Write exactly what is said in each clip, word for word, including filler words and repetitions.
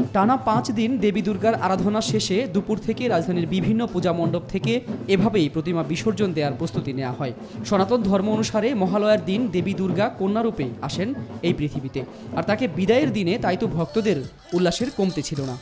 টানা পাঁচ দিন দেবী দুর্গার আরাধনা শেষে দুপুর থেকে রাজধানীর বিভিন্ন পূজা মণ্ডপ থেকে এভাবেই প্রতিমা বিসর্জন দেওয়ার প্রস্তুতি নেওয়া হয়। সনাতন ধর্ম অনুসারে মহালয়ার দিন দেবী দুর্গা কন্যারূপে আসেন এই পৃথিবীতে, আর তাকে বিদায়ের দিনে তাই তো ভক্তদের উল্লাসের কমতি ছিল না।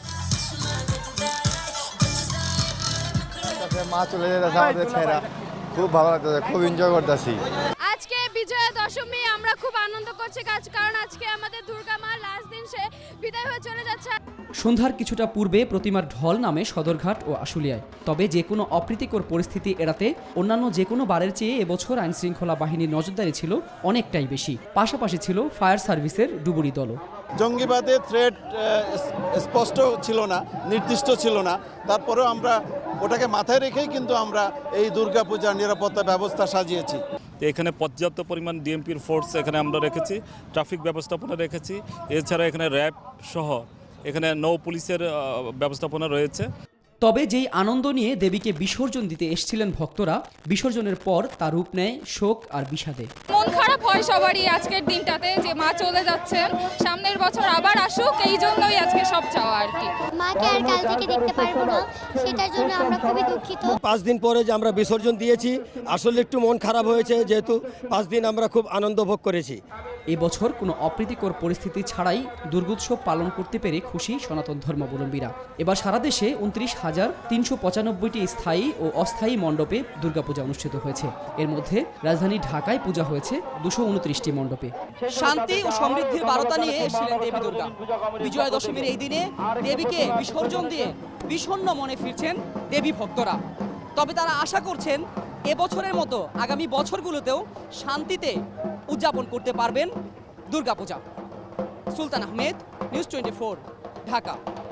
মা চলে যেতেছে আমাদের ছেড়া, খুব ভালো লাগতেছে, খুব এনজয় করতেছি। আজকে বিজয়া দশমী আমরা খুব আনন্দ করছি, কারণ আজকে আমাদের দুর্গা মা লাস্ট দিন সে বিদায় হয়ে চলে যাচ্ছে। সন্ধ্যার কিছুটা পূর্বে প্রতিমার ঢল নামে সদরঘাট ও আশুলিয়ায়। তবে যে কোনো অপ্রীতিকর পরিস্থিতি এড়াতে অন্যান্য যে কোনো বারের চেয়ে এবছর আইনশৃঙ্খলা বাহিনীর নজরদারি ছিল অনেকটাই বেশি। পাশাপাশি ছিল ফায়ার সার্ভিসের ডুবুরি দলও। জঙ্গিবাদের থ্রেট স্পষ্ট ছিল না, নির্দিষ্ট ছিল না, তারপরেও আমরা ওটাকে মাথায় রেখেই কিন্তু আমরা এই দুর্গাপূজার নিরাপত্তা ব্যবস্থা সাজিয়েছি। এখানে পর্যাপ্ত পরিমাণ ডিএমপির ফোর্স এখানে আমরা রেখেছি, ট্রাফিক ব্যবস্থাপনা রেখেছি, এছাড়া এখানে র্যাব সহ এখানে নৌ পুলিশের ব্যবস্থাপনা রয়েছে। তবে যেই আনন্দ নিয়ে দেবীকে বিসর্জন দিতে এসেছিলেন ভক্তরা, বিসর্জনের পর তার রূপ নেয় শোক আর বিষাদে। মন খারাপ হয় সবারই আজকের দিনটাতে, যে মা চলে যাচ্ছেন, সামনের বছর আবার আসুক, এই জন্যই আজকে সব চাওয়া আর কি। মাকে আর কাল থেকে দেখতে পারবো না, সেটার জন্য আমরা খুবই দুঃখিত। পাঁচ দিন পরে যে আমরা বিসর্জন দিয়েছি, আসলে একটু মন খারাপ হয়েছে, যেহেতু পাঁচ দিন আমরা খুব আনন্দ ভোগ করেছি। এবছর কোনো অপ্রীতিকর পরিস্থিতি ছাড়াই দুর্গোৎসব পালন করতে পেরে খুশি সনাতন ধর্মাবলম্বীরা। এবার সারা দেশে উনত্রিশ হাজার তিনশো পঁচানব্বইটি স্থায়ী ও অস্থায়ী মণ্ডপে দুর্গাপূজা অনুষ্ঠিত হয়েছে। এর মধ্যে রাজধানী ঢাকায় পূজা হয়েছে দুশো উনত্রিশটি মণ্ডপে। শান্তি ও সমৃদ্ধির বার্তা নিয়ে এসেছিলেন দেবী দুর্গা। বিজয়া দশমীর এই দিনে দেবীকে বিসর্জন দিয়ে বিষণ্ণ মনে ফিরছেন দেবী ভক্তরা। তবে তারা আশা করছেন এবছরের মতো আগামী বছরগুলোতেও শান্তিতে উদযাপন করতে পারবেন Durga Puja. Sultan Ahmed, news twenty four, Dhaka.